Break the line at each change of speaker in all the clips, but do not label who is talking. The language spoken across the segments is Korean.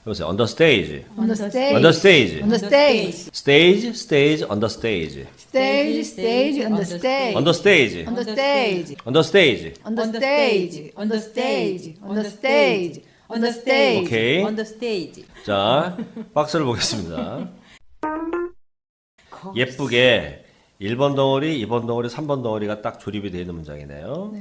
해보세요. On the stage.
On the stage.
On the stage.
On the stage.
Stage, stage, on the stage.
Stage, stage, on the stage.
On the stage.
On the stage.
On the stage.
On the stage. On the stage. On the stage. On the stage.
오케이.
On the stage.
자, 박스를 보겠습니다. 예쁘게 1번 덩어리, 2번 덩어리, 3번 덩어리가 딱 조립이 되어 있는 문장이네요.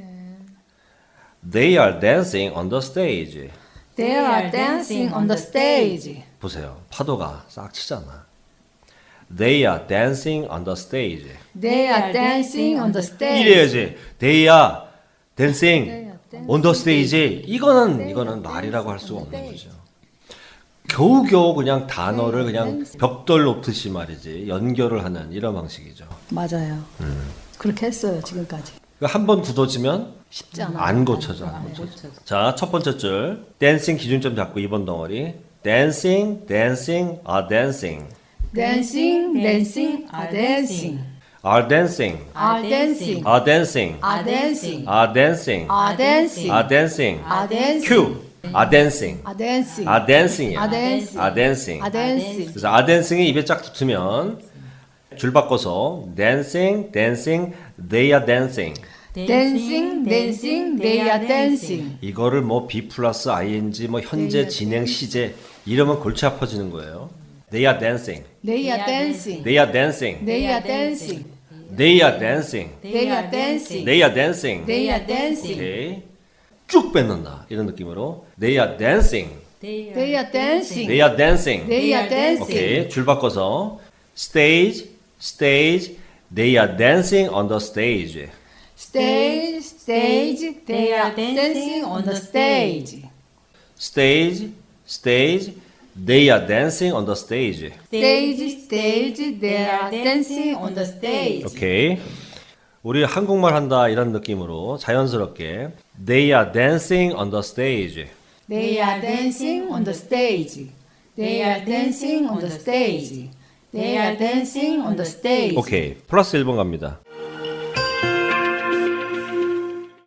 They are dancing on the stage.
They are dancing on the stage.
보세요. 파도가 싹 치잖아. They are dancing on the stage.
They are dancing on the stage.
이래야지. They are dancing on the stage. 이거는 말이라고 할 수가 없는 거죠. 겨우겨우 그냥 단어를 그냥 벽돌 놓듯이 말이지 연결을 하는 이런 방식이죠.
맞아요. 그렇게 했어요 지금까지.
한 번 굳어지면
쉽지 않아.
안 고쳐져. 자, 첫 번째 줄 dancing 기준점 잡고 2번 덩어리 dancing, dancing, are dancing.
Dancing, dancing, are dancing.
Are dancing.
Are dancing.
Are dancing.
Are dancing.
Are dancing.
Are dancing.
Are dancing.
Are dancing.
Q. Are dancing.
Are dancing.
Are dancing이야.
Are dancing.
Are dancing.
Are dancing.
그래서 are dancing이 입에 쫙 붙으면 줄 바꿔서 dancing, dancing, they are dancing.
Dancing, dancing, they are dancing.
이거를 뭐 be 플러스 ing 뭐 현재 진행 시제 이러면 골치 아파지는 거예요. They are dancing.
They are dancing.
They are dancing.
They are dancing.
They are dancing.
They are dancing.
They are dancing.
They are dancing.
오케이. 쭉 뺏는다. 이런 느낌으로 They are dancing.
They are dancing.
They are dancing.
They are dancing.
오케이. 줄 바꿔서 stage, stage. They are dancing on the stage.
Stage, stage, they are dancing on the stage.
Stage, stage. They are dancing on the stage.
Stage, stage, they are dancing on the stage.
오케이. 우리 한국말 한다 이런 느낌으로 자연스럽게 They are dancing on the stage.
They are dancing on the stage. They are dancing on the stage. They are dancing on the stage.
오케이. 플러스 1번 갑니다.